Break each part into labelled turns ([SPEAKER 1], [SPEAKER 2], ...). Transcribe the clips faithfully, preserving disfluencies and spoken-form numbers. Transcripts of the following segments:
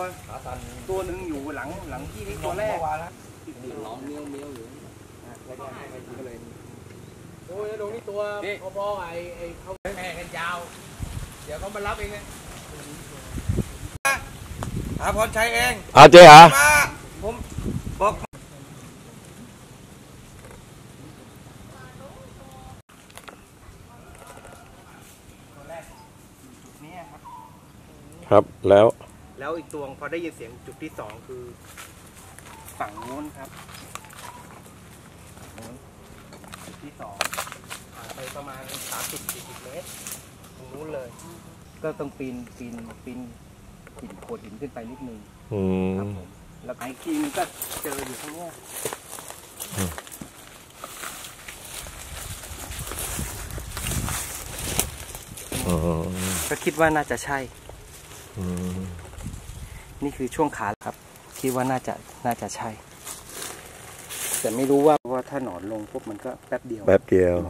[SPEAKER 1] ตัวหนึ่งอยู่หลังหลังที่นี่ตัวแรกร้องเมี้ยวเมี้ยวอยู่แล้วก็ให้ก็เลยโอ้ยตรงนี้ตัวพอๆไอ้ไอ้เขาแข่กันยาวเดี๋ยวเขามารับเองไงหาพรชัยเอง
[SPEAKER 2] อาเจ๊หา
[SPEAKER 1] ผมบอก
[SPEAKER 2] ครับแล้ว
[SPEAKER 1] แล้วอีกตัวพอได้ยินเสียงจุดที่สองคือฝั่งโน้นครับจุดที่สองห่างไปประมาณสามสิบสี่สิบเมตรตรงนู้นเลยก็ต้องปีนปีนปีนหินโขดหินขึ้นไปนิดนึงครับผมแล้วไอ้ทีนึงก็เจออยู่ข้างนอกก็คิดว่าน่าจะใช่นี่คือช่วงขาครับคิดว่าน่าจะน่าจะใช่แต่ไม่รู้ว่าว่าถ้าหนอนลงปุ๊บมันก็แป๊บเดียว
[SPEAKER 2] แป๊บเดียว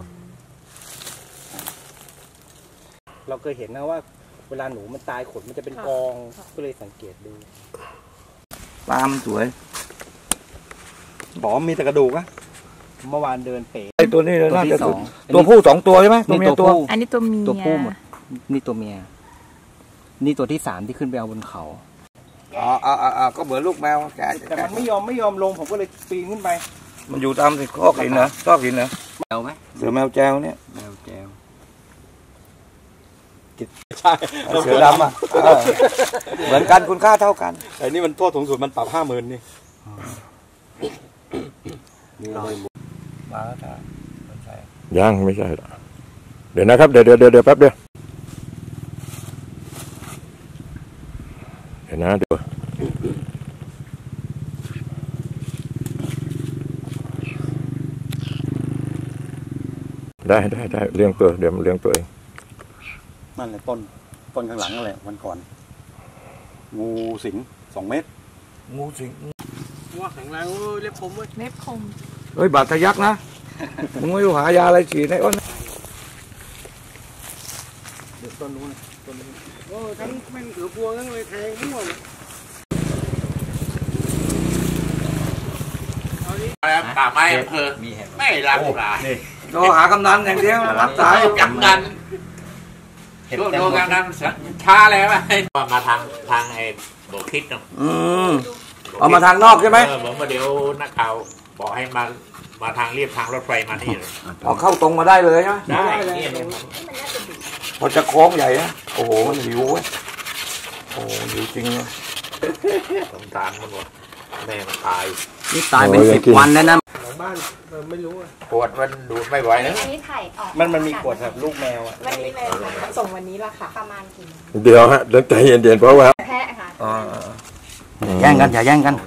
[SPEAKER 1] เราเคยเห็นนะว่าเวลาหนูมันตายขนมันจะเป็นกองก็เลยสังเกตดู
[SPEAKER 3] ปลาสวยบอกมีแต่กระดูกอะ
[SPEAKER 1] เมื่อวานเดินเป๋
[SPEAKER 3] ไอตัวนี้เลยน่าจะตัวผู้สองตัวใช่ไหมตัวเมียตัว
[SPEAKER 4] อันนี้ตัวเมีย
[SPEAKER 1] ตัวผู้หมดนี่ตัวเมียนี่ตัวที่สามที่ขึ้นไปเอาบนเขา
[SPEAKER 3] อ๋ออ๋ออ๋อก็เหมือนลูกแมวแก
[SPEAKER 1] แต่มันไม่ยอมไม่ยอมลงผมก็เลยปีนขึ้นไป
[SPEAKER 3] มันอยู่ตามที่ข้อหินเหรอซอกหินเหรอ
[SPEAKER 1] แมวไหม
[SPEAKER 3] เสือแมวแจวเนี่ย
[SPEAKER 1] แมวแจว
[SPEAKER 3] ใช่เสือดำอ่ะเหมือนกันคุณค่าเท่ากัน
[SPEAKER 2] แต่นี่มันโทษสูงสุดมันปรับห้าหมื่นนี่
[SPEAKER 3] มาแล้วจ้ะ
[SPEAKER 2] ยังไม่ใช่หรอเดี๋ยวนะครับเดี๋ยวเดี๋ยวเดี๋ยวแป๊บเดียวเดี๋ยวนะเดี๋ยวได้ได้ได้เลี้ยงตัวเดี๋ยวมันเลี้ยงตัวเอง
[SPEAKER 5] นั่นแหละต้นต้นข้างหลังนั่นแหละวันก่อนงูสิงสองเมตร
[SPEAKER 3] งูสิง
[SPEAKER 1] ว่าแข็งแรงเล็บคมเว้ย
[SPEAKER 4] เล็บคม
[SPEAKER 3] เฮ้ยบาดทะยักนะมึงไม่รู้หายาอะไรฉีดในอ้น
[SPEAKER 1] เดี๋ยวต้นนู้นต้นนู้นโอ้ทั้งแม่งถือพวงทั้งเลยแทงมั่วเลย
[SPEAKER 6] ป่าไม้อำเภอไม่รับสาย
[SPEAKER 3] โทรหากำนันอย่างเดียวรับสาย
[SPEAKER 6] กำนันช่วงโดนกำนันช้าแล้วไอ้มาทางทางไอ้โบคิดเนาะ
[SPEAKER 3] อืมเอามาทางนอกใช่ไหม
[SPEAKER 6] เออผมมาเดี๋ยวนักข่าวบอกให้มามาทางเรียบทางรถไฟมานี่เลย
[SPEAKER 3] ออกเข้าตรงมาได้เลยใช่ไหม
[SPEAKER 6] ได้
[SPEAKER 3] พอจะโค้งใหญ่นะโอ้โหมันหิวเว้ยโอ้หิวจริงเลย
[SPEAKER 6] สงสารมันหมดแม่มันตาย
[SPEAKER 1] นี่ตายเป็นสิบวันแล้วนะหลังบ้านไม่รู้อ่ะ
[SPEAKER 6] ปวดมันดูดไม่ไหวนะ
[SPEAKER 4] อันนี้ถ่ายออก
[SPEAKER 1] มันมันมีขวดแบบลูกแมวอ่ะ
[SPEAKER 4] วันนี้เลยส่งวันนี้ละค่ะประมาณกี่
[SPEAKER 2] เดี๋ยวฮะเดี๋ยวใจเย็นๆเพราะว่า
[SPEAKER 4] แพะค่ะ
[SPEAKER 1] แย่งกันอย่าแย่งกัน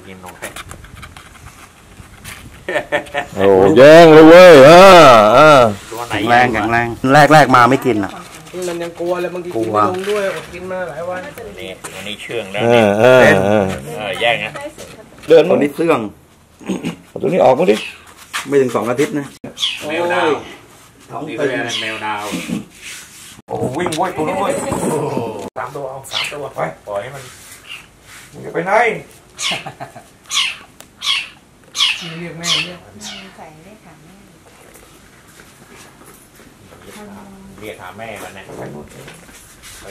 [SPEAKER 2] โอ้แย่งเลยเว้ยอ่าอ่า
[SPEAKER 1] แข็งแรงแข็งแรงแรกแรกมาไม่กินอ่ะมันยังกลัวเลยบางทีกินไม่ลงด้วยอดกินมาหลายวัน
[SPEAKER 6] นี่อันนี้เชื่องแล้ว
[SPEAKER 2] เ
[SPEAKER 6] นี่
[SPEAKER 2] เออเออ
[SPEAKER 6] แย่งนะ
[SPEAKER 3] เดินตัวนี้เสื่องเอาตัวนี้ออกมาดิไม่ถึงสองอาทิตย์นะ
[SPEAKER 6] แมวดาวนี่เป็นแมวดาว
[SPEAKER 3] โอ้วิ่งว้ยตัวนู้นว้ย
[SPEAKER 6] สามตัวเอาสามตัวไปปล่อยให้มัน
[SPEAKER 3] มึงจะไปไหน
[SPEAKER 1] เรียกแม่เรียก
[SPEAKER 4] ใส่เรียกหาแม่
[SPEAKER 6] เรียกหาแม่มันนะไป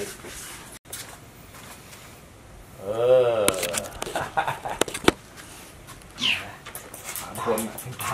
[SPEAKER 6] เออ
[SPEAKER 1] คน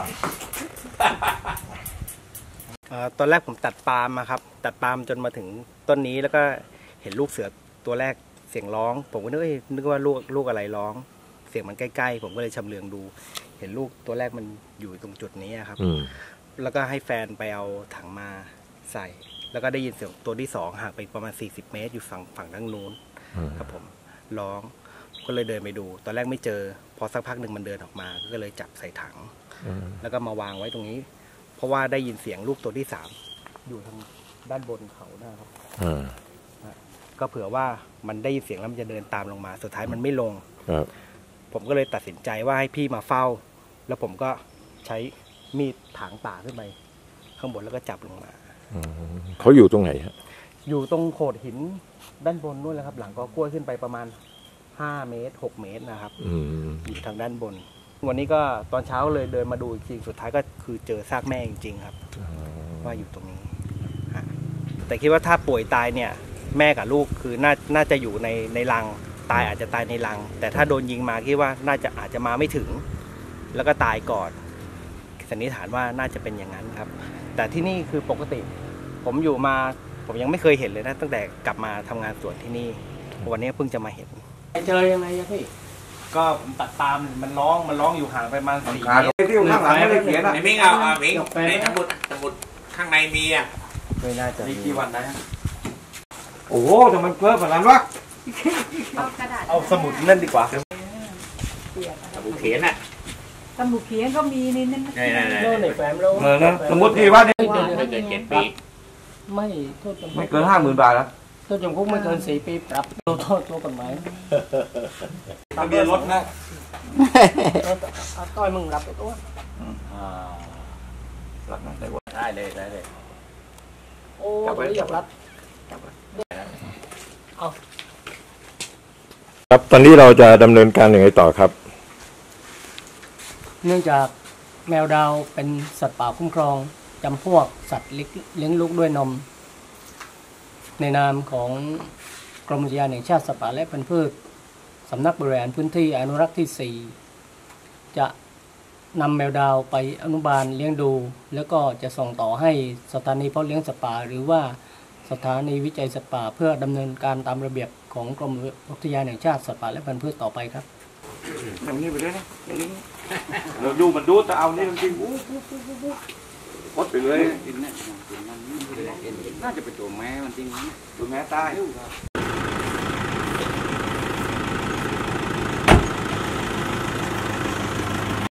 [SPEAKER 1] ตอนแรกผมตัดปาล์มมาครับตัดปาล์มจนมาถึงต้นนี้แล้วก็เห็นลูกเสือตัวแรกเสียงร้องผมก็นึกนึกว่าลูกลูกอะไรร้องเสียงมันใกล้ๆผมก็เลยชำเลืองดูเห็นลูกตัวแรกมันอยู่ตรงจุดนี้ครับแล้วก็ให้แฟนไปเอาถังมาใส่แล้วก็ได้ยินเสียงตัวที่สองห่างไปประมาณสี่สิบเมตรอยู่ฝั่งฝั่งด้านนู้นครับผมร้องก็เลยเดินไปดูตอนแรกไม่เจอพอสักพักหนึ่งมันเดินออกมาก็เลยจับใส่ถังแล้วก็มาวางไว้ตรงนี้เพราะว่าได้ยินเสียงลูกตัวที่สามอยู่ทางด้านบนเขานะครับก็เผื่อว่ามันได้ยินเสียงแล้วมันจะเดินตามลงมาสุดท้ายมันไม่ลงผมก็เลยตัดสินใจว่าให้พี่มาเฝ้าแล้วผมก็ใช้มีดถางป่าขึ้นไปข้างบนแล้วก็จับลงมา
[SPEAKER 2] เขาอยู่ตรงไหนฮะ
[SPEAKER 1] อยู่ตรงโขดหินด้านบนนู่นแหละครับหลังก็กล้วยขึ้นไปประมาณห้าเมตรหกเมตรนะครับ
[SPEAKER 2] อืม
[SPEAKER 1] อยู่ทางด้านบน วันนี้ก็ตอนเช้าเลยเดินมาดูอีกทีสุดท้ายก็คือเจอซากแม่จริงๆครับว่าอยู่ตรงนี้ฮะแต่คิดว่าถ้าป่วยตายเนี่ยแม่กับลูกคือน่าน่าจะอยู่ในในรังตายอาจจะตายในรัง แต่ถ้าโดนยิงมาคิดว่าน่าจะอาจจะมาไม่ถึง แล้วก็ตายก่อนสันนิษฐานว่าน่าจะเป็นอย่างนั้นครับ แต่ที่นี่คือปกติ ผมอยู่มาผมยังไม่เคยเห็นเลยนะตั้งแต่กลับมาทำงานสวนที่นี่วันนี้เพิ่งจะมาเห็น
[SPEAKER 7] เจอยังไงอะพี่
[SPEAKER 1] ก็ผมตัดปาล์มมันร้องมันร้องอยู่ห่างไปประมาณสี่
[SPEAKER 3] ขา
[SPEAKER 1] เมตร
[SPEAKER 3] ที่อยู่ข้างหลังไม่ได้เขียนอ่ะ
[SPEAKER 6] ไอ้มิงเอาเอามิงในสมุดสมุดข้างในมีอ่ะ
[SPEAKER 1] ไม่น่าจะ
[SPEAKER 3] มีกี่วันนะโอ้โหทำไมเพิ่มขนาดนั้นวะ
[SPEAKER 4] เอากระดาษ
[SPEAKER 1] เอาสมุดนั่นดีกว่า
[SPEAKER 6] สมุดเขียนอ่ะ
[SPEAKER 4] สมุดเขียนก็มีนี่นั่น
[SPEAKER 6] นี่นี่นี่
[SPEAKER 7] โน่นในแฟ้มโล
[SPEAKER 3] เออนะสมมติที่ว่าเนี่ย
[SPEAKER 6] ไม่เกินเจ็ดปี
[SPEAKER 7] ไม่โทษจำคุก
[SPEAKER 3] ไม่เกินห้าหมื่นบาทแล้ว
[SPEAKER 7] โทษจำคุกไม่เกินสี่ปีปรับโทษโทษตัวกฎหมาย
[SPEAKER 3] ทะเบียนรถนะ
[SPEAKER 7] เอาต้อยมึงรับไปตัว
[SPEAKER 3] รักนะได้หมด
[SPEAKER 6] ได้เลยได้เลย
[SPEAKER 7] โอ้ตัวนี้อยากรับ
[SPEAKER 2] ครับตอนนี้เราจะดำเนินการอย่างไรต่อครับ
[SPEAKER 7] เนื่องจากแมวดาวเป็นสัตว์ป่าคุ้มครองจำพวกสัตว์เลี้ยงลูกด้วยนม ในนามของกรมอุทยานแห่งชาติสัตว์ป่าและพันธุ์พืชสำนักบริหารพื้นที่อนุรักษ์ที่สี่จะนำแมวดาวไปอนุบาลเลี้ยงดู แล้วก็จะส่งต่อให้สถานีเพาะเลี้ยงสัตว์ป่าหรือว่าสถานีวิจัยสัตว์ป่าเพื่อดำเนินการตามระเบียบของกรมอุทยานแห่งชาติสัตว์ป่าและพันธุ์พืชต่อไปครับ
[SPEAKER 3] อย่างนี้ไปเลยนะอย่างนี้เราดูมันดูแต่เอานี่จริงๆอู้ปุ๊บปุ๊บปุ๊บปุ๊บกดไปเลยน่าจะเป็นตัวแม่มันจริงตัวแม่ตาย